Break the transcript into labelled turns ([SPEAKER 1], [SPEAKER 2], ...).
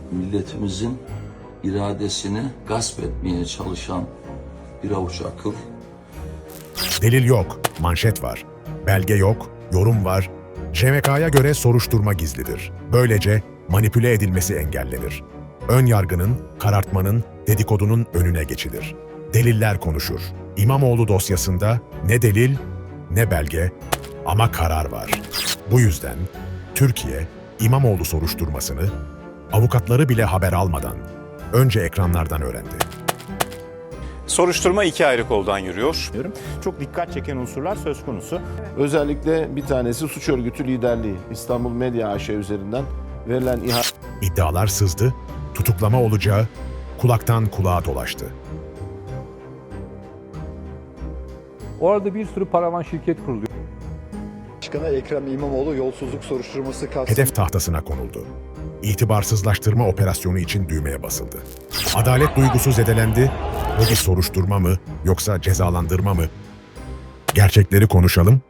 [SPEAKER 1] milletimizin iradesini gasp etmeye çalışan bir avuç akıl.
[SPEAKER 2] Delil yok, manşet var. Belge yok, yorum var. JMK'ya göre soruşturma gizlidir. Böylece manipüle edilmesi engellenir. Ön yargının, karartmanın, dedikodunun önüne geçilir. Deliller konuşur. İmamoğlu dosyasında ne delil, ne belge ama karar var. Bu yüzden Türkiye, İmamoğlu soruşturmasını avukatları bile haber almadan önce ekranlardan öğrendi.
[SPEAKER 3] Soruşturma iki ayrı koldan yürüyor.
[SPEAKER 4] Çok dikkat çeken unsurlar söz konusu.
[SPEAKER 5] Özellikle bir tanesi suç örgütü liderliği. İstanbul Medya AŞ üzerinden verilen
[SPEAKER 2] İddialar sızdı, tutuklama olacağı kulaktan kulağa dolaştı.
[SPEAKER 6] Orada bir sürü paravan şirket kuruluyor.
[SPEAKER 7] Başkanı Ekrem İmamoğlu yolsuzluk soruşturması kapsamında
[SPEAKER 2] Hedef tahtasına konuldu. İtibarsızlaştırma operasyonu için düğmeye basıldı. Adalet duygusu zedelendi. Bu bir soruşturma mı yoksa cezalandırma mı? Gerçekleri konuşalım,